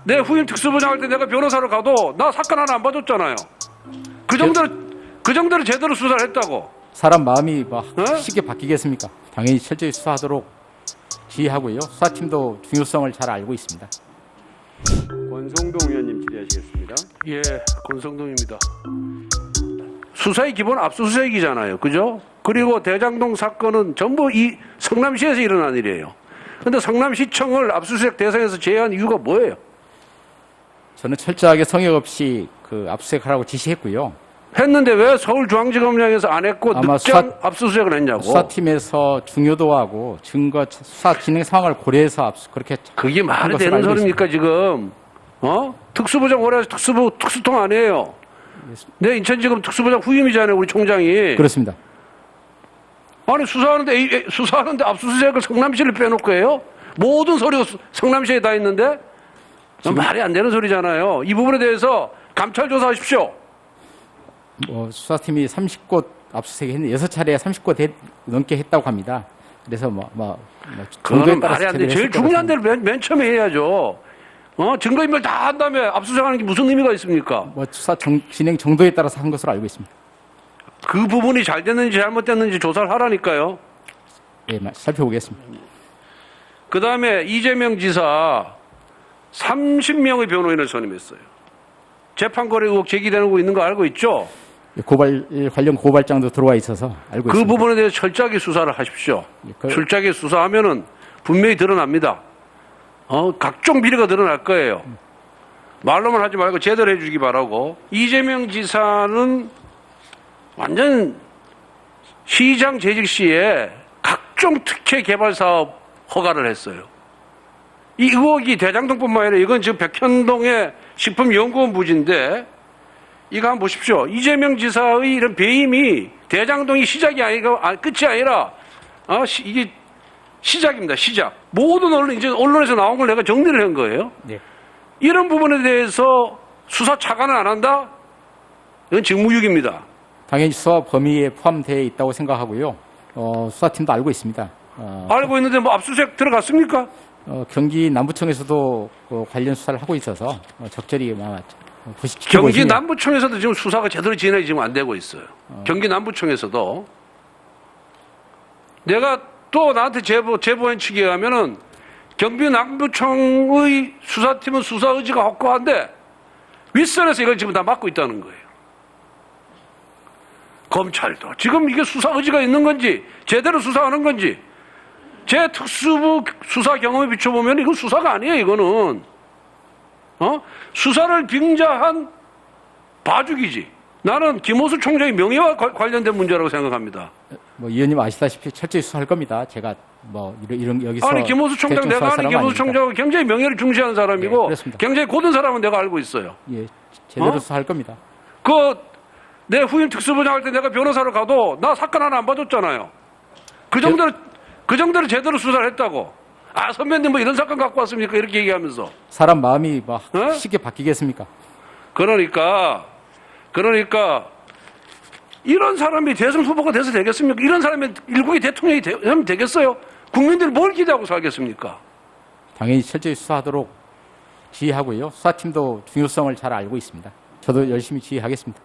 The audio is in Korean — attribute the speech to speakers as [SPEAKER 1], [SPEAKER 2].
[SPEAKER 1] 내 후임 특수부장 할 때 내가 변호사로 가도 나 사건 하나 안 봐줬잖아요. 그 정도로 제대로 수사를 했다고.
[SPEAKER 2] 사람 마음이 쉽게 바뀌겠습니까? 당연히 철저히 수사하도록 지휘하고요. 수사팀도 중요성을 잘 알고 있습니다.
[SPEAKER 3] 권성동 의원님 질의하시겠습니다.
[SPEAKER 1] 예, 권성동입니다. 수사의 기본 압수수색이잖아요. 그죠? 그리고 대장동 사건은 전부 이 성남시에서 일어난 일이에요. 그런데 성남시청을 압수수색 대상에서 제외한 이유가 뭐예요?
[SPEAKER 2] 저는 철저하게 성역 없이 압수수색하라고 지시했고요.
[SPEAKER 1] 했는데 왜 서울중앙지검장에서 안 했고
[SPEAKER 2] 아마
[SPEAKER 1] 늑장 압수수색을 했냐고.
[SPEAKER 2] 수사팀에서 중요도하고 증거 수사 진행 상황을 고려해서 그렇게
[SPEAKER 1] 그게
[SPEAKER 2] 한
[SPEAKER 1] 말이
[SPEAKER 2] 것으로
[SPEAKER 1] 되는
[SPEAKER 2] 알고
[SPEAKER 1] 소리입니까 지금? 특수부장 오래 해서 특수통 아니에요. 내 인천지검 특수부장 후임이잖아요, 우리 총장이.
[SPEAKER 2] 그렇습니다.
[SPEAKER 1] 아니 수사하는데 압수수색을 성남시를 빼놓고 해요? 모든 서류가 성남시에 다 있는데? 말이 안 되는 소리잖아요. 이 부분에 대해서 감찰 조사하십시오.
[SPEAKER 2] 수사팀이 30곳 압수수색 했는데 6차례에 30곳 넘게 했다고 합니다. 그래서
[SPEAKER 1] 그거는 말이 안 돼. 제일 중요한 데를 맨 처음에 해야죠. 증거인멸 다 한 다음에 압수수색하는 게 무슨 의미가 있습니까?
[SPEAKER 2] 수사 진행 정도에 따라서 한 것으로 알고 있습니다.
[SPEAKER 1] 그 부분이 잘 됐는지 잘못됐는지 조사를 하라니까요.
[SPEAKER 2] 예, 살펴보겠습니다.
[SPEAKER 1] 그 다음에 이재명 지사 30명의 변호인을 선임했어요. 재판 거래 의혹 제기되고 있는 거 알고 있죠?
[SPEAKER 2] 관련 고발장도 들어와 있어서 알고
[SPEAKER 1] 그
[SPEAKER 2] 있습니다.
[SPEAKER 1] 부분에 대해서 철저하게 수사를 하십시오. 철저하게 수사하면은 분명히 드러납니다. 각종 비리가 드러날 거예요. 말로만 하지 말고 제대로 해주기 바라고. 이재명 지사는 완전 시장 재직 시에 각종 특혜 개발 사업 허가를 했어요. 이 의혹이 대장동뿐만 아니라 이건 지금 백현동의 식품연구원 부지인데 이거 한번 보십시오. 이재명 지사의 이런 배임이 대장동이 시작이 아니고 끝이 아니라 이게 시작입니다. 시작. 모든 언론에서 나온 걸 내가 정리를 한 거예요.
[SPEAKER 2] 네.
[SPEAKER 1] 이런 부분에 대해서 수사 차관을 안 한다? 이건 직무유기입니다.
[SPEAKER 2] 당연히 수사 범위에 포함되어 있다고 생각하고요. 수사팀도 알고 있습니다.
[SPEAKER 1] 알고 있는데 압수수색 들어갔습니까?
[SPEAKER 2] 경기 남부청에서도 관련 수사를 하고 있어서 적절히
[SPEAKER 1] 경기 남부청에서도 지금 수사가 제대로 진행이 지금 안 되고 있어요. 경기 남부청에서도 내가 또 나한테 제보한 측에 의하면은 경기 남부청의 수사팀은 수사 의지가 확고한데 윗선에서 이걸 지금 다 맡고 있다는 거예요. 검찰도 지금 이게 수사 의지가 있는 건지 제대로 수사하는 건지 제 특수부 수사 경험에 비춰보면 이건 수사가 아니에요. 이거는 수사를 빙자한 봐주기지. 나는 김호수 총장의 명예와 관련된 문제라고 생각합니다.
[SPEAKER 2] 의원님 아시다시피 철저히 수사할 겁니다. 제가 이런 여기서
[SPEAKER 1] 아니 김호수 총장 내가 아는 김호수 총장은 굉장히 명예를 중시하는 사람이고
[SPEAKER 2] 네,
[SPEAKER 1] 굉장히 고든 사람은 내가 알고 있어요.
[SPEAKER 2] 예, 제대로 수사할 겁니다.
[SPEAKER 1] 내 후임 특수부장 할 때 내가 변호사로 가도 나 사건 하나 안 봐줬잖아요. 그 정도로 제대로 수사를 했다고. 선배님 이런 사건 갖고 왔습니까? 이렇게 얘기하면서.
[SPEAKER 2] 사람 마음이 쉽게 바뀌겠습니까?
[SPEAKER 1] 그러니까 이런 사람이 대선 후보가 돼서 되겠습니까? 이런 사람이 일국의 대통령이 되면 되겠어요? 국민들이 뭘 기대하고 살겠습니까?
[SPEAKER 2] 당연히 철저히 수사하도록 지휘하고요. 수사팀도 중요성을 잘 알고 있습니다. 저도 열심히 지휘하겠습니다.